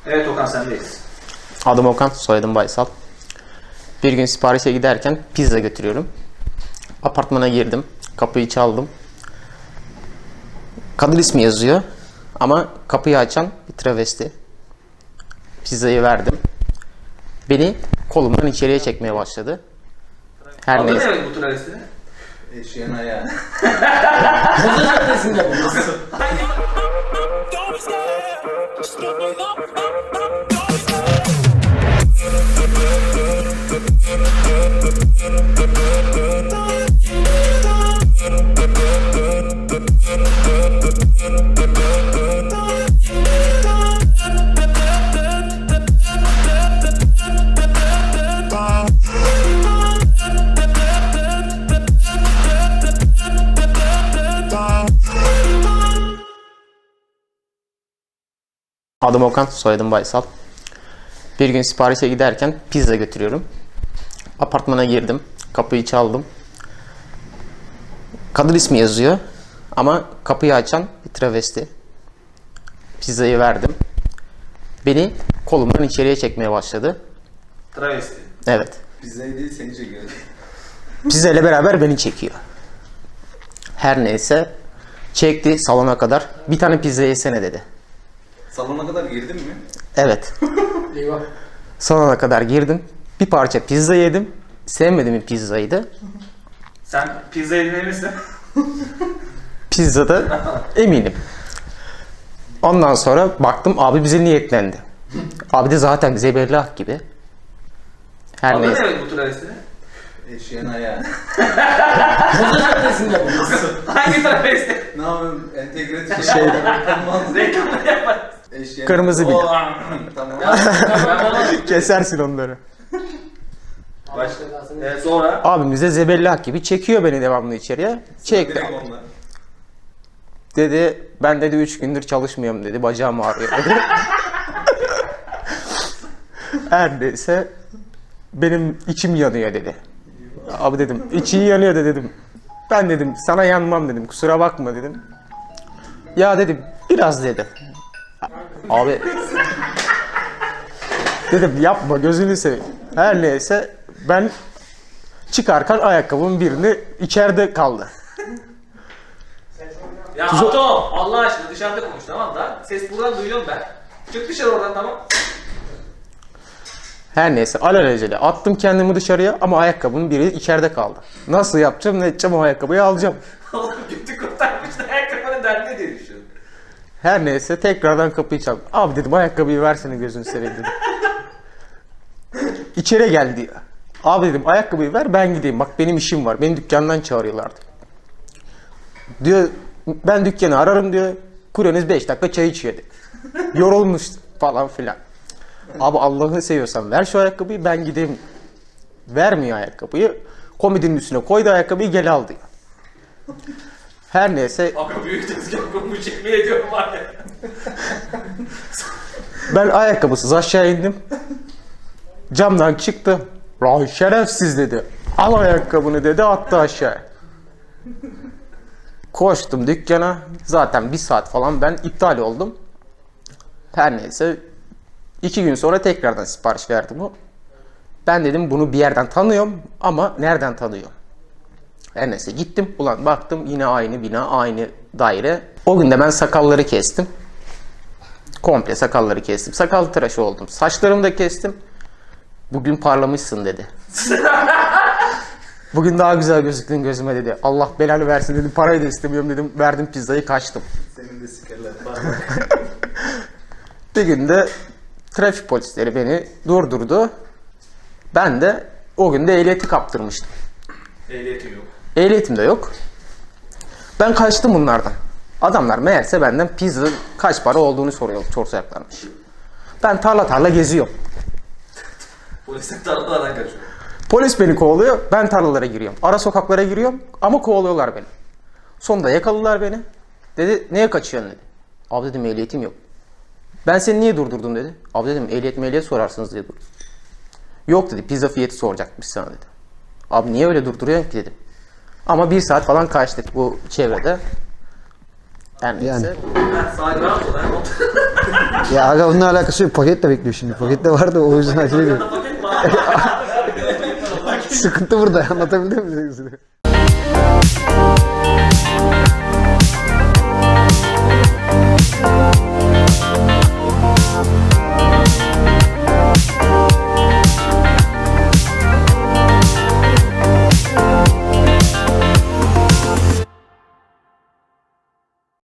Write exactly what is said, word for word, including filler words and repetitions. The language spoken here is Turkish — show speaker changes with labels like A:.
A: Evet Okan, sendeyiz.
B: Adım Okan, soyadım Baysal. Bir gün siparişe giderken pizza götürüyorum. Apartmana girdim, kapıyı çaldım. Kadın ismi yazıyor ama kapıyı açan bir travesti. Pizzayı verdim. Beni kolumdan içeriye çekmeye başladı. Her
A: Adı
B: neyse.
A: ne bu travestinin?
C: Eşeğin ayağı.
B: Adım Okan, soyadım Baysal. Bir gün siparişe giderken pizza götürüyorum. Apartmana girdim, kapıyı çaldım. Kadın ismi yazıyor ama kapıyı açan bir travesti. Pizzayı verdim. Beni kolumdan içeriye çekmeye başladı.
A: Travesti.
B: Evet.
C: Pizzayı değil seni çekiyor.
B: Pizza ile beraber beni çekiyor. Her neyse çekti salona kadar. Bir tane pizza yesene dedi.
C: Salona kadar girdin mi?
B: Evet.
A: Eyvah.
B: Salona kadar girdim. Bir parça pizza yedim. Sevmediğim bir pizzaydı.
A: Sen pizza yedin eminsin.
B: Pizzada eminim. Ondan sonra baktım abi bize niyetlendi. Abi de zaten zebellah gibi. Her
A: Adı
B: neyse.
A: ne bu travestinin?
C: Eşeğin ayağı.
A: Hangi travesti?
C: Ne yapayım? Entegre
B: Şey-
A: Reklamını yaparız.
C: Eşeğin
B: Kırmızı bir.
C: Oo, tamam.
B: Kesersin onları.
A: Başka. Ee, sonra?
B: Abim bize zebellah gibi çekiyor beni devamlı içeriye. Çekti.
C: Direkt onlar.
B: Dedi ben dedi üç gündür çalışmıyorum dedi. Bacağım ağrıyor dedi. Her neyse benim içim yanıyor dedi. Abi dedim için yanıyor da dedim. Ben dedim sana yanmam dedim. Kusura bakma dedim. Ya dedim biraz dedi. Abi dedim yapma gözünü seveyim. Her neyse ben çıkarken ayakkabımın birini içeride kaldı.
A: Ya Atom, Allah aşkına dışarıda konuş, tamam da ses buradan duyuyorum ben. Çık dışarı oradan, tamam.
B: Her neyse alelacele attım kendimi dışarıya ama ayakkabının biri içeride kaldı. Nasıl yapacağım ne edeceğim o ayakkabıyı alacağım.
A: Oğlum götü kurtarmış da ayakkabının derdine diye düşünüyorum.
B: Her neyse tekrardan kapıyı çaldım. Abi dedim ayakkabıyı versene gözünü seveyim dedim. İçeri gel diyor. Abi dedim ayakkabıyı ver ben gideyim bak benim işim var. Beni dükkandan çağırıyorlardı. Diyor ben dükkanı ararım diyor. Kuryeniz beş dakika çay içiyor diyor. Yorulmuş falan filan. Abi Allah'ını seviyorsan ver şu ayakkabıyı ben gideyim. Vermiyor ayakkabıyı. Komodinin üstüne koydu ayakkabıyı gel al diyor. Her neyse
A: Aga büyük tezgah kurmuş, yemin ediyorum var ya.
B: ben ayakkabısız aşağı indim. Camdan çıktı. Lan şerefsiz dedi. Al ayakkabını dedi attı aşağı. Koştum dükkana. Zaten bir saat falan ben iptal oldum. Her neyse iki gün sonra tekrardan sipariş verdim o. Ben dedim bunu bir yerden tanıyorum ama nereden tanıyorum? Her neyse gittim. Ulan baktım yine aynı bina, aynı daire. O gün de ben sakalları kestim. Komple sakalları kestim. Sakal tıraşı oldum. Saçlarımı da kestim. Bugün parlamışsın dedi. Bugün daha güzel gözüktün gözüme dedi. Allah belanı versin dedim. Parayı da istemiyorum dedim. Verdim pizzayı kaçtım.
C: Senin de sikerler.
B: Bir gün de trafik polisleri beni durdurdu. Ben de o gün de ehliyeti kaptırmıştım.
A: Ehliyetim yok.
B: Ehliyetim de yok. Ben kaçtım bunlardan. Adamlar meğerse benden pizza kaç para olduğunu soruyor, sorsayaklarmış. Ben tarla tarla geziyorum.
A: Polisler tarlalardan kaçıyor.
B: Polis beni kovalıyor, ben tarlalara giriyorum. Ara sokaklara giriyorum ama kovalıyorlar beni. Sonunda yakaladılar beni. Dedi, neye kaçıyorsun dedi. Abi dedim ehliyetim yok. Ben seni niye durdurdum dedi. Abi dedim ehliyet mehliyet sorarsınız diye durdum. Yok dedi, pizza fiyatı soracakmış sana dedi. Abi niye öyle durduruyorsun ki dedim. Ama bir saat falan kaçtık bu çevrede. Her neyse.
A: Ben sahibi rahat ol.
D: Ya aga onunla alakası yok. Paket de bekliyor şimdi. Paket de vardı o yüzden acele ediyor.
A: Paket mi?
D: Sıkıntı burada. Anlatabildim mi?